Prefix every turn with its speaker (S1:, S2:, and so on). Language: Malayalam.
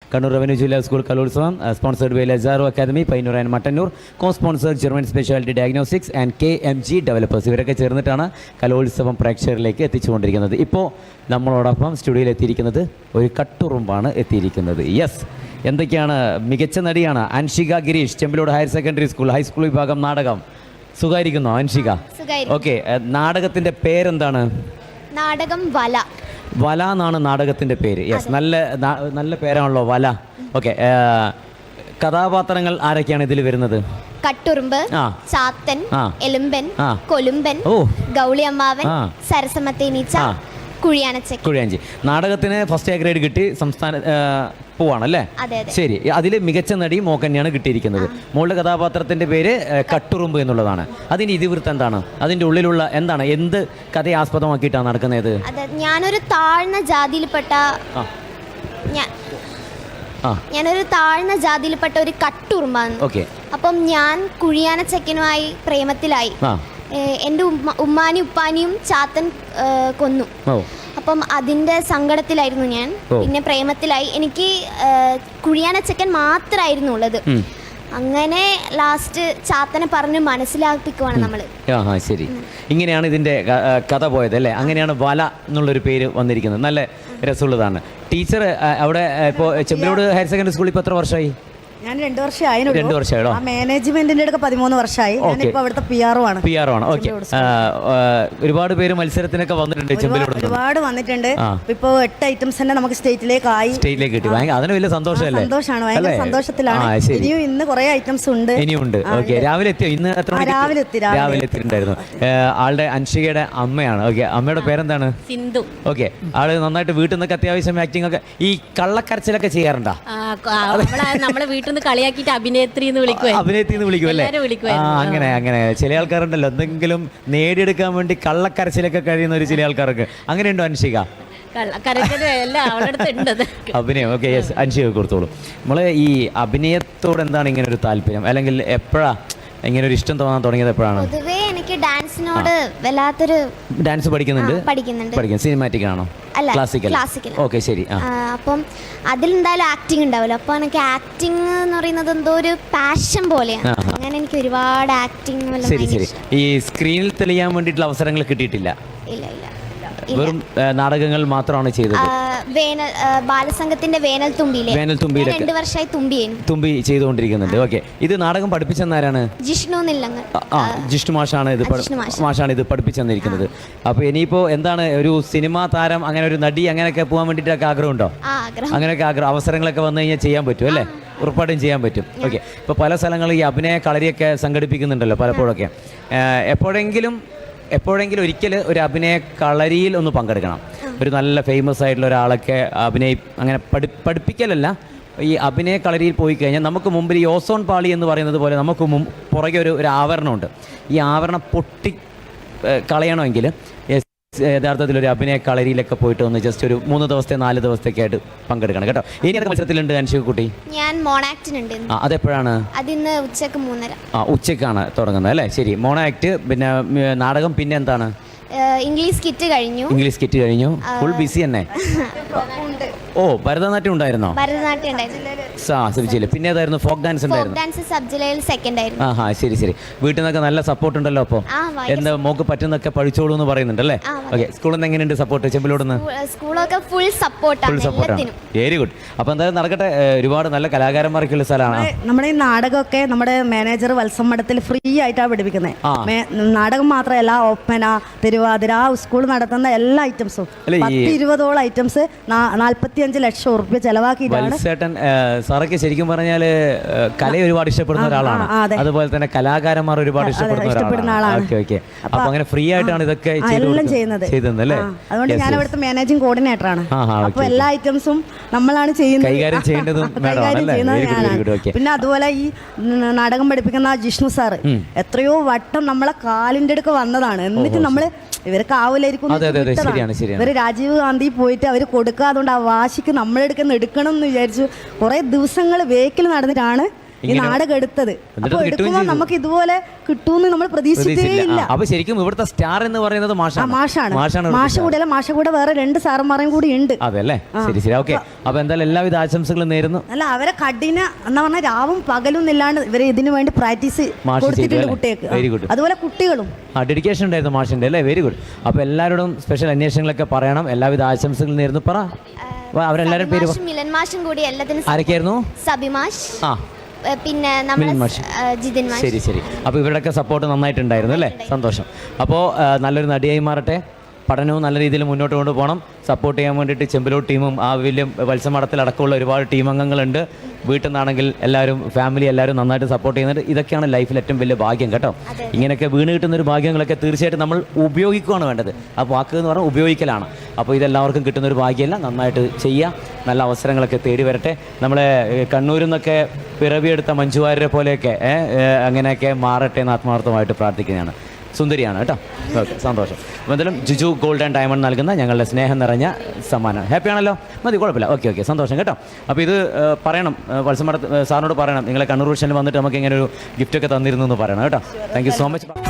S1: കണ്ണൂർ റവന്യൂ ജില്ലാ സ്കൂൾ കലോത്സവം sponsored by Lazaro academy Payyanur and Mattannur, co sponsored German speciality diagnostics and KMG developers. ഇവരൊക്കെ ചേർന്നിട്ടാണ് കലോത്സവം പ്രേക്ഷകരിലേക്ക് എത്തിച്ചുകൊണ്ടിരിക്കുന്നത്. ഇപ്പോൾ നമ്മളോടൊപ്പം സ്റ്റുഡിയോയിൽ എത്തിയിരിക്കുന്നത് ഒരു കട്ടുറുമ്പാണ് എത്തിയിരിക്കുന്നത്. യെസ്, എന്തൊക്കെയാണ്? മികച്ച നടിയാണ് Anshika Girish, Chembilode higher secondary school high school വിഭാഗം നാടകം. സുഖമായിരിക്കുന്നോ അൻഷിക? ഓക്കെ, നാടകത്തിൻ്റെ പേരെന്താണ്?
S2: നാടകം വല.
S1: വല എന്നാണ് നാടകത്തിൻ്റെ പേര്. യെസ്, നല്ല പേരാണല്ലോ വല. ഓക്കെ, കഥാപാത്രങ്ങൾ ആരൊക്കെയാണ് ഇതിൽ വരുന്നത്?
S2: കട്ടുറുമ്പ്, ചാത്തൻ, എലുമ്പൻ, കൊലുമ്പൻ, ഗൗളി അമ്മാവൻ, സരസമത്തേനീച്ച, കുഴിയാനച്ചി. നാടകത്തിന് ഫസ്റ്റ് എ ഗ്രേഡ് കിട്ടി സംസ്ഥാന പോവാണല്ലേ? ശരി, അതിൽ മികച്ച നടി മോക്കന്നെയാണ് കിട്ടിയിരിക്കുന്നത്. മോളുടെ കഥാപാത്രത്തിന്റെ പേര് കട്ടുറുമ്പ് എന്നുള്ളതാണ്. അതിന്റെ ഇതിവൃത്തം എന്താണ്? അതിന്റെ ഉള്ളിലുള്ള എന്താണ്? എന്ത് കഥയെ ആസ്പദമാക്കിയിട്ടാണ് നടക്കുന്നത്? ഞാനൊരു താഴ്ന്ന ജാതിയിൽപ്പെട്ട ഒരു കട്ടുറുമ്പാണ്.
S1: ഓക്കെ.
S2: അപ്പം ഞാൻ കുഴിയാനച്ചക്കനുമായി പ്രേമത്തിലായി. എൻ്റെ ഉമ്മാനിയും ഉപ്പാനിയും ചാത്തൻ കൊന്നു. അപ്പം അതിൻ്റെ സങ്കടത്തിലായിരുന്നു ഞാൻ. പിന്നെ പ്രേമത്തിലായി. എനിക്ക് കുഴിയാനച്ചക്കൻ മാത്രമായിരുന്നു ഉള്ളത്. അങ്ങനെ ലാസ്റ്റ് ചാത്തനെ പറഞ്ഞ് മനസ്സിലാക്കിക്കുവാണ് നമ്മൾ.
S1: ശരി, ഇങ്ങനെയാണ് ഇതിൻ്റെ കഥ പോയത് അല്ലേ? അങ്ങനെയാണ് വല എന്നുള്ളൊരു പേര് വന്നിരിക്കുന്നത്. നല്ല രസമുള്ളതാണ്. ടീച്ചർ അവിടെ ഇപ്പോൾ ചെമ്പിലോട് ഹയർ സെക്കൻഡറി സ്കൂളിൽ ഇപ്പോൾ എത്ര വർഷമായി?
S3: ഞാൻ 2 വർഷമായി.
S1: 2 വർഷമായോ?
S3: മാനേജ്മെന്റിന്റെ അടുക്ക 13 വർഷമായി. ഞാനിപ്പോ അവിടുത്തെ PR ആണ്. ഓക്കെ.
S1: ഒരുപാട് പേര് മത്സരത്തിനൊക്കെ വന്നിട്ടുണ്ട് ചെമ്പിലോട്.
S3: ഒരുപാട് വന്നിട്ടുണ്ട്. ഇപ്പോ 8 ഐറ്റംസ് തന്നെ നമുക്ക് സ്റ്റേറ്റിലേക്ക് കിട്ടി.
S1: അതിന് വലിയ സന്തോഷമല്ലേ?
S3: സന്തോഷമാണ്, ഭയങ്കര സന്തോഷത്തിലാണ്. ഇനിയും ഇന്ന് കുറെ ഐറ്റംസ് ഉണ്ട്.
S1: ഇനിയുണ്ട്. ഓക്കെ, രാവിലെ എത്തിയോ? ഇന്ന് എത്ര മണിക്ക്? രാവിലെ എത്തിയിട്ടുണ്ടായിരുന്നു. ആളുടെ അൻഷികയുടെ അമ്മയാണ്. ഓക്കെ, അമ്മയുടെ പേരെന്താണ്?
S4: സിന്ധു.
S1: ഓക്കെ, ആള് നന്നായിട്ട് വീട്ടിൽ നിന്നൊക്കെ അത്യാവശ്യം ആക്ടിംഗ് ഒക്കെ, ഈ കള്ളക്കരച്ചിലൊക്കെ ചെയ്യാറുണ്ടോ?
S4: നമ്മളെ വീട്ടിൽ നിന്ന് കളിയാക്കിട്ട് അഭിനേത്രി എന്ന് വിളിക്കും
S1: അല്ലേ? അങ്ങനെ ചില ആൾക്കാരുണ്ടല്ലോ, എന്തെങ്കിലും നേടിയെടുക്കാൻ വേണ്ടി കള്ളക്കരച്ചിലൊക്കെ കഴിയുന്ന ഒരു ചില ആൾക്കാർക്ക്. അങ്ങനെയുണ്ടോ അൻഷിക? അഭിനയം. ഓക്കെ, യെസ്, അൻഷിക കൊടുത്തോളൂ. നമ്മള് ഈ അഭിനയത്തോട് എന്താണ് ഇങ്ങനെ ഒരു താല്പര്യം, അല്ലെങ്കിൽ എപ്പോഴാ ഇങ്ങനെ ഒരു ഇഷ്ടം തോന്നാൻ തുടങ്ങിയത്? എപ്പോഴാണ്?
S2: പൊതുവേ എനിക്ക് ഡാൻസിനോട് വല്ലാത്തൊരു.
S1: ഡാൻസ് പഠിക്കുന്നുണ്ട്. സിനിമാറ്റിക് ആണോ? ക്ലാസിക്കൽ. ഓക്കെ, ശരി.
S2: അപ്പം അതിലെന്തായാലും ആക്ടിങ് ഉണ്ടാവില്ല. അപ്പോൾ എനിക്ക് ആക്ടിങ് എന്ന് പറയുന്നത് എന്തോ ഒരു പാഷൻ പോലെയാണ്. അങ്ങനെ എനിക്ക് ഒരുപാട് ആക്ടിങ്.
S1: ശരി. ഈ സ്ക്രീനിൽ തെളിയാൻ വേണ്ടിയിട്ടുള്ള അവസരങ്ങൾ കിട്ടിയിട്ടില്ല?
S2: ഇല്ല.
S1: വെറും നാടകങ്ങൾ മാത്രമാണ് ചെയ്തത്?
S2: ബാലസംഘത്തിന്റെ വേനൽ തുമ്പിയിലെ 2 വർഷമായി തുമ്പി
S1: ചെയ്തുകൊണ്ടിരിക്കുന്നുണ്ട്. ഓക്കെ, ഇത് നാടകം പഠിപ്പിച്ചെന്നാരാണ്? ജിഷ്ണു മാഷാണ് ഇത് പഠിപ്പിച്ചെന്നിരിക്കുന്നത്. അപ്പൊ ഇനിയിപ്പോ എന്താണ്, ഒരു സിനിമാ താരം, അങ്ങനെ ഒരു നടി, അങ്ങനെയൊക്കെ പോകാൻ വേണ്ടിയിട്ടൊക്കെ ആഗ്രഹമുണ്ടോ? അങ്ങനെയൊക്കെ അവസരങ്ങളൊക്കെ വന്നു കഴിഞ്ഞാൽ ചെയ്യാൻ പറ്റും അല്ലേ? ഉറപ്പായിട്ടും ചെയ്യാൻ പറ്റും. ഓക്കെ, ഇപ്പോൾ പല സ്ഥലങ്ങളിൽ ഈ അഭിനയ കളരിയൊക്കെ സംഘടിപ്പിക്കുന്നുണ്ടല്ലോ പലപ്പോഴൊക്കെ. എപ്പോഴെങ്കിലും ഒരിക്കൽ ഒരു അഭിനയ കളരിയിൽ ഒന്ന് പങ്കെടുക്കണം. ഒരു നല്ല ഫേമസ് ആയിട്ടുള്ള ഒരാളൊക്കെ അങ്ങനെ പഠിപ്പിക്കലല്ല, ഈ അഭിനയ കളരിയിൽ പോയി കഴിഞ്ഞാൽ നമുക്ക് മുമ്പിൽ ഈ ഓസോൺ പാളി എന്ന് പറയുന്നത് പോലെ നമുക്ക് പുറകെ ഒരു ആവരണമുണ്ട്. ഈ ആവരണം പൊട്ടി കളയണമെങ്കിൽ യഥാർത്ഥത്തിൽ ഒരു അഭിനയ കളരിയിലൊക്കെ പോയിട്ട് ഒന്ന് ജസ്റ്റ് ഒരു 3 ദിവസത്തെ 4 ദിവസത്തേക്ക് ആയിട്ട് പങ്കെടുക്കണം കേട്ടോ. ഇനി അത് മത്സരത്തിലുണ്ട് അൻഷിക കുട്ടി?
S2: ഞാൻ മോണാക്ടിനുണ്ട്.
S1: അതെപ്പോഴാണ്?
S2: അതിന്ന് ഉച്ചക്ക് 3:30.
S1: ഉച്ചക്കാണ് തുടങ്ങുന്നത് അല്ലേ? ശരി, മോണാക്ട്, പിന്നെ നാടകം, പിന്നെ എന്താണ്?
S2: ഇംഗ്ലീഷ് കിറ്റ്
S1: കഴിഞ്ഞു. ഫുൾ ബിസി തന്നെ. ഓ, ഭരതനാട്യം ഉണ്ടായിരുന്നോ? പിന്നെ ഏതായിരുന്നു? ഫോക്ക് ഡാൻസ് ഉണ്ടായിരുന്നു.
S2: സബ് ജില്ലയിൽ സെക്കൻഡ് ആയിരുന്നു.
S1: ശരി. വീട്ടിൽ നിന്നൊക്കെ നല്ല സപ്പോർട്ട് ഉണ്ടല്ലോ. അപ്പോൾ എന്താ മോക്ക് പറ്റുന്നൊക്കെ പഠിച്ചോളൂ എന്ന് പറയുന്നുണ്ടല്ലേ? ഓക്കെ, സ്കൂളിൽ നിന്ന് എങ്ങനെയുണ്ട് സപ്പോർട്ട്? ചെമ്പിലോടുന്ന്
S2: സ്കൂളൊക്കെ ഫുൾ സപ്പോർട്ടാണ്.
S1: Very good. അപ്പോൾ എന്തായാലും നടക്കട്ടെ. ഒരുപാട് നല്ല കലാകാരന്മാർക്കുള്ള സ്ഥലമാണ്
S3: നമ്മുടെ ഈ നാടകമൊക്കെ. നമ്മുടെ മാനേജർ വത്സം മഠത്തിൽ ഫ്രീ ആയിട്ടാണ് പഠിപ്പിക്കുന്നത്. നാടകം മാത്രമല്ല, ഒപ്പന, തിരുവാതിര, സ്കൂൾ നടത്തുന്ന എല്ലാ ഐറ്റംസും 10-20ഓളം ഐറ്റംസ് 45 ലക്ഷം ഉറുപ്പ്യ ചെലവാക്കിയിട്ടാണ്.
S1: സാറൊക്കെ ശരിക്കും പറഞ്ഞാൽ കലയെ ഒരുപാട് ഇഷ്ടപ്പെടുന്ന ഒരാളാണ്. അതുപോലെ തന്നെ കലാകാരന്മാർ ഒരുപാട് ഇഷ്ടപ്പെടുന്ന ആളാണ്. അപ്പൊ അങ്ങനെ ഫ്രീ ആയിട്ടാണ് ഇതൊക്കെ ചെയ്യുന്നത് അല്ലേ?
S3: അതുകൊണ്ട് ഞാൻ അവിടുത്തെ മാനേജിംഗ് കോർഡിനേറ്ററാണ്. അപ്പൊ എല്ലാ ഐറ്റംസും നമ്മളാണ്
S1: കൈകാര്യം ചെയ്യേണ്ടതും.
S3: പിന്നെ അതുപോലെ ഈ നാടകം പഠിപ്പിക്കുന്ന ജിഷ്ണു സാറ് എത്രയോ വട്ടം നമ്മളെ കാലിന്റെ അടുക്ക് വന്നതാണ്. എന്നിട്ട് നമ്മള് ഇവർക്ക് ആവില്ലായിരിക്കും. ഇവര് രാജീവ് ഗാന്ധി പോയിട്ട് അവര് കൊടുക്കാതുകൊണ്ട് ആ വാശിക്ക് നമ്മളെടുക്കുന്ന എടുക്കണം എന്ന് വിചാരിച്ചു കുറേ ദിവസങ്ങൾ വേക്കിൽ നടന്നിട്ടാണ് ഈ നാടകം എടുത്തത്. അപ്പോൾ എടുക്കുമ്പോൾ നമുക്ക് ഇതുപോലെ കിട്ടുമെന്ന് നമ്മൾ പ്രതീക്ഷിച്ചേ ഇല്ല.
S1: അപ്പൊ ശരിക്കും ഇവിടുത്തെ സ്റ്റാർ എന്ന് പറയുന്നത് മാഷാണ്.
S3: മാഷ് കൂടെ മാഷ കൂടെ വേറെ 2 സാറന്മാരും കൂടി ഉണ്ട്.
S1: അതെ അല്ലേ? ശരി ശരി, ഓക്കെ. അപ്പൊ എന്തായാലും എല്ലാവിധ ആശംസകളും നേരുന്നു.
S3: അല്ല, അവരെ കഠിന എന്ന് പറഞ്ഞാൽ രാവും പകലും ഇല്ലാണ്ട് ഇവരെ ഇതിനു വേണ്ടി പ്രാക്ടീസ് കൊടുത്തിട്ടുണ്ട് കുട്ടികൾക്ക്.
S1: Very good.
S3: അതുപോലെ കുട്ടികളും
S1: ഡെഡിക്കേഷൻ ഉണ്ടായിരുന്നു മാഷിന്റെ അല്ലേ? Very good. അപ്പൊ എല്ലാവരോടും സ്പെഷ്യൽ അന്വേഷണങ്ങളൊക്കെ പറയണം. എല്ലാവിധ ആശംസകളും നേരുന്നു. പറ അവരെല്ലാവരും പേര്.
S2: മിലൻ മാഷും കൂടി എല്ലാത്തിനും.
S1: ആരൊക്കെയായിരുന്നു?
S2: സബിമാഷ്,
S1: ആ
S2: പിന്നെ ജിതിൻ മാഷ്.
S1: ശരി ശരി. അപ്പോൾ ഇവരുടെയൊക്കെ സപ്പോർട്ട് നന്നായിട്ടുണ്ടായിരുന്നു അല്ലേ? സന്തോഷം. അപ്പോൾ നല്ലൊരു നടിയായി മാറട്ടെ. പഠനവും നല്ല രീതിയിൽ മുന്നോട്ട് കൊണ്ടുപോകണം. സപ്പോർട്ട് ചെയ്യാൻ വേണ്ടിയിട്ട് ചെമ്പലൂർ ടീമും ആ വലിയ വത്സമഠത്തിലടക്കമുള്ള ഒരുപാട് ടീം അംഗങ്ങളുണ്ട്. വീട്ടിൽ നിന്നാണെങ്കിൽ എല്ലാവരും ഫാമിലി എല്ലാവരും നന്നായിട്ട് സപ്പോർട്ട് ചെയ്യുന്നുണ്ട്. ഇതൊക്കെയാണ് ലൈഫിൽ ഏറ്റവും വലിയ ഭാഗ്യം കേട്ടോ. ഇങ്ങനെയൊക്കെ വീണ് കിട്ടുന്നൊരു ഭാഗ്യങ്ങളൊക്കെ തീർച്ചയായിട്ടും നമ്മൾ ഉപയോഗിക്കുകയാണ് വേണ്ടത്. ആ വാക്ക് എന്ന് പറഞ്ഞാൽ ഉപയോഗിക്കലാണ്. അപ്പോൾ ഇതെല്ലാവർക്കും കിട്ടുന്നൊരു ഭാഗ്യമല്ല. നന്നായിട്ട് ചെയ്യുക. നല്ല അവസരങ്ങളൊക്കെ തേടി വരട്ടെ. നമ്മളെ കണ്ണൂരിൽ നിന്നൊക്കെ പിറവിയെടുത്ത മഞ്ജുവാര്യരെ പോലെയൊക്കെ അങ്ങനെയൊക്കെ മാറട്ടെ എന്ന് ആത്മാർത്ഥമായിട്ട് പ്രാർത്ഥിക്കുന്നതാണ്. സുന്ദരിയാണ് കേട്ടോ. ഓക്കെ, സന്തോഷം. എന്തായാലും ജിജു ഗോൾഡ് ആൻഡ് ഡയമണ്ട് നൽകുന്ന ഞങ്ങളുടെ സ്നേഹം നിറഞ്ഞ സമ്മാനം. ഹാപ്പി ആണല്ലോ? മതി, കുഴപ്പമില്ല. ഓക്കെ ഓക്കെ, സന്തോഷം കേട്ടോ. അപ്പോൾ ഇത് പറയണം, വത്സമഠ സാറിനോട് പറയണം, നിങ്ങളെ കണ്ണൂർ വിഷനിൽ വന്നിട്ട് നമുക്ക് ഇങ്ങനെ ഒരു ഗിഫ്റ്റൊക്കെ തന്നിരുന്നു എന്ന് പറയണം കേട്ടോ. Thank you so much.